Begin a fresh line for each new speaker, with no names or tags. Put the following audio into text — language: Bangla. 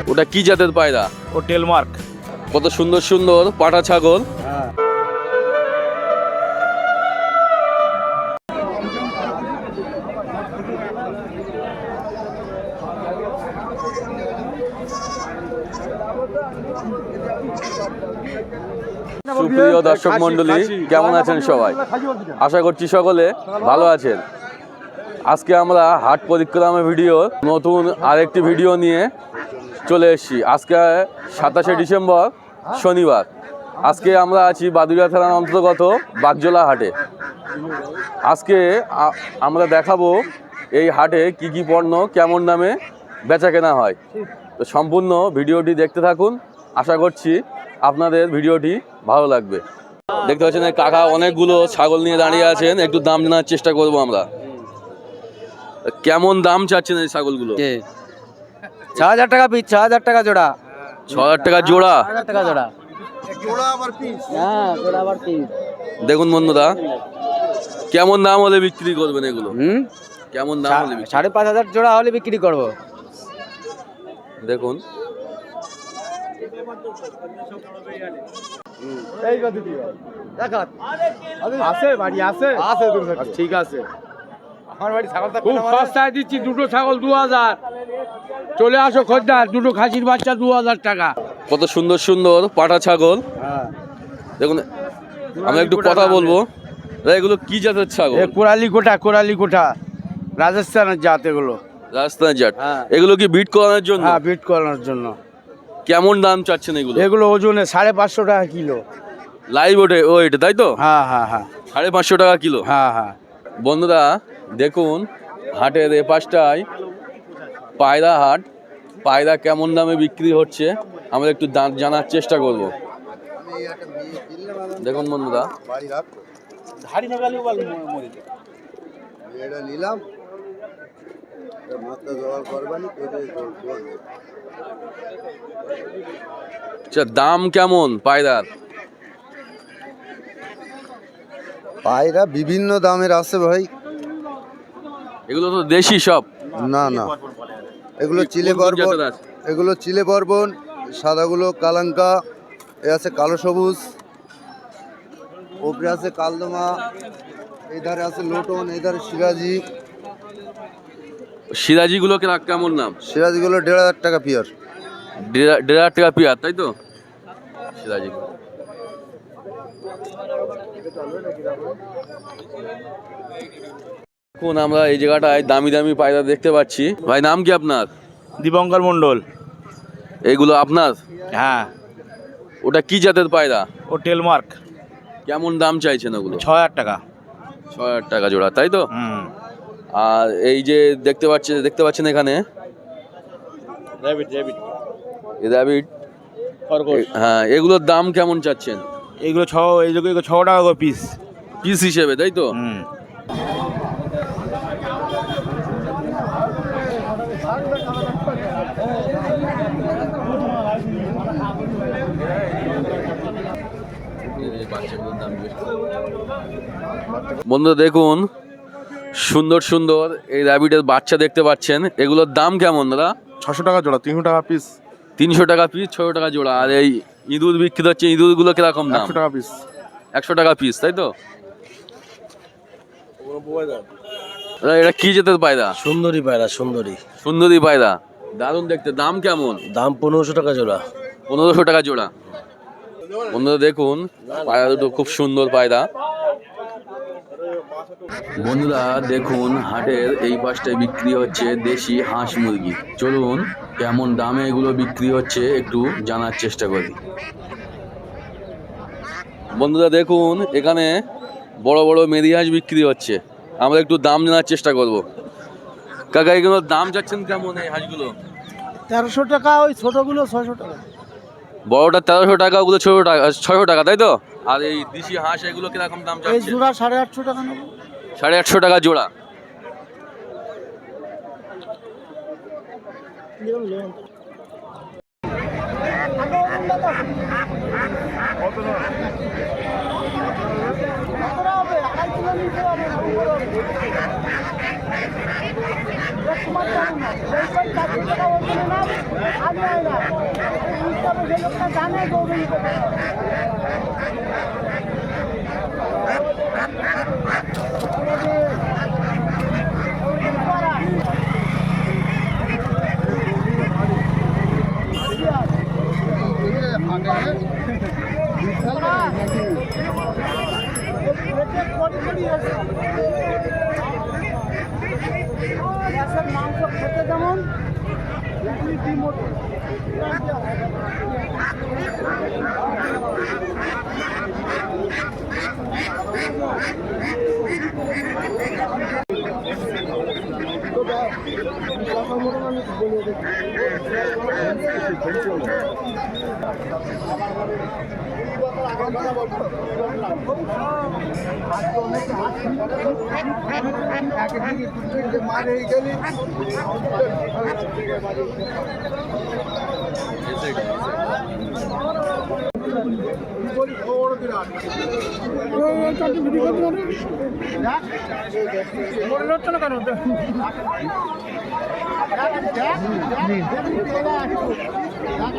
ওটা কি জাতের পায়রা?
ও টেলমার্ক।
কত সুন্দর সুন্দর পাটা ছাগল। সুপ্রিয় দর্শক মন্ডলী, কেমন আছেন সবাই? আশা করছি সকলে ভালো আছেন। আজকে আমরা হাট পরিক্রমা ভিডিও নতুন আরেকটি ভিডিও নিয়ে চলে এসেছি। আজকে 27শে ডিসেম্বর শনিবার। আজকে আমরা আছি বাদুড়িয়া থানার অন্তর্গত বাগজোলা হাটে। আজকে আমরা দেখাবো এই হাটে কি কি পণ্য কেমন দামে বেচা কেনা হয়। তো সম্পূর্ণ ভিডিওটি দেখতে থাকুন, আশা করছি আপনাদের ভিডিওটি ভালো লাগবে। দেখতে পাচ্ছেন কাকা অনেকগুলো ছাগল নিয়ে দাঁড়িয়ে আছেন, একটু দাম জানার চেষ্টা করবো আমরা। কেমন দাম চাচ্ছেন এই ছাগলগুলো?
6000 টাকা পিস, 6000 টাকা জোড়া।
6000 টাকা জোড়া?
6000 টাকা জোড়া। জোড়া আবার পিস? হ্যাঁ, জোড়া আবার পিস।
দেখুন বন্ধুরা, কেমন দাম হলে বিক্রি করবেন এগুলো? কেমন দাম হলে?
5500 জোড়া হলে বিক্রি করব।
দেখুন
এই কত দিও দেখাত আছে, বাড়ি আছে, আছে ঠিক আছে। আমার বাড়ি ছাগলটা খুব সস্তায় দিচ্ছি, দুটো ছাগল 2000। চলে আসো খদ্দার, দুটো খাসির বাচ্চা 2000 টাকা।
কত সুন্দর সুন্দর পাটা ছাগল। দেখুন, আমি একটু কথা বলবো। এগুলো কি জাতের ছাগল?
কোরালি কোটা রাজস্থানের জাত। এগুলো
রাজস্থানের জাত। এগুলো কি বিট করানোর জন্য?
হ্যাঁ, বিট করানোর জন্য।
কেমন দাম চাচ্ছেন এগুলো?
এগুলো ওজনে 550 টাকা কিলো।
লাইভ ওয়েট, তাই তো?
হ্যাঁ হ্যাঁ হ্যাঁ,
550 টাকা কিলো।
হ্যাঁ হ্যাঁ।
বন্ধুরা দেখুন, হাটের এ পাশটায় পায়রা হাট। পায়রা কেমন দামে বিক্রি হচ্ছে আমরা একটু জানার চেষ্টা করব। দেখুন বন্ধুরা, দাম কেমন পায়রার?
পায়রা বিভিন্ন দামের আছে ভাই।
এগুলো তো দেশি সব?
না না, এগুলো চিলে বর্বন, সাদাগুলো কালাঙ্কা, এ আছে কালো সবুজ, ওপরে আছে কালদমা, এই ধারে আছে লোটন, এই ধারে সিরাজি।
সিরাজিগুলো কেমন দাম?
সিরাজিগুলো 1500 টাকা পিয়ার।
1500 টাকা পিয়ার, তাই তো? সিরাজি এখন আমরা এই জায়গাটায় দামি দামি পায়রা দেখতে পাচ্ছি। ভাই, নাম কি আপনার?
দীপঙ্কর মন্ডল।
এইগুলো আপনার?
হ্যাঁ।
ওটা কি জাতের পায়রা?
ও টেলমার্ক।
কেমন দাম চাইছেন ওগুলো?
6000 টাকা।
6000 টাকা জোড়া, তাই তো? আর এই যে দেখতে পাচ্ছেন এখানে র্যাবিট। হ্যাঁ, এগুলোর দাম কেমন চাচ্ছেন?
এইগুলো 6 টাকা করে পিস।
পিস হিসেবে, তাই তো? বন্ধুরা দেখুন, সুন্দর সুন্দর এই র্যাবিটের বাচ্চা দেখতে পাচ্ছেন। এগুলোর দাম কেমন দাদা?
600 টাকা জোড়া, 300 টাকা পিস।
300 টাকা পিস, 600 টাকা জোড়া। আর এই ইঁদুর বিক্রি হচ্ছে, ইঁদুরগুলো কিরকম দাম?
100 টাকা পিস।
100 টাকা পিস, তাই তো? এটা কি জাতের পায়রা?
সুন্দরী পায়রা।
সুন্দরী পায়রা, দারুণ দেখতে। দাম কেমন?
দাম 1500 টাকা জোড়া।
1500 টাকা জোড়া। বন্ধুরা দেখুন, পায়রা দুটো খুব সুন্দর পায়রা। বন্ধুরা দেখুন, হাটের এই পাশটায় বিক্রি হচ্ছে দেশি হাঁস মুরগি। চলুন কেমন দামে এগুলো বিক্রি হচ্ছে একটু জানার চেষ্টা করি। বন্ধুরা দেখুন, এখানে বড় বড় মেরি হাঁস বিক্রি হচ্ছে। আমরা একটু দাম জানার চেষ্টা করব। কাকা, এগুলোর দাম যাচ্ছেন কেমন এই হাঁসগুলো?
1300 টাকা। ওই ছোটগুলো 600 টাকা।
বড়টা 1300 টাকা, ওগুলো 600 টাকা, তাই তো? আর এই দেশি হাঁস এগুলো কিরকম দাম যাচ্ছে?
এই জোড়া 850 টাকা নেব।
850 টাকা জোড়া।
মাংস খেতে যেমন ডিমোটো
মারে গেলি
কেন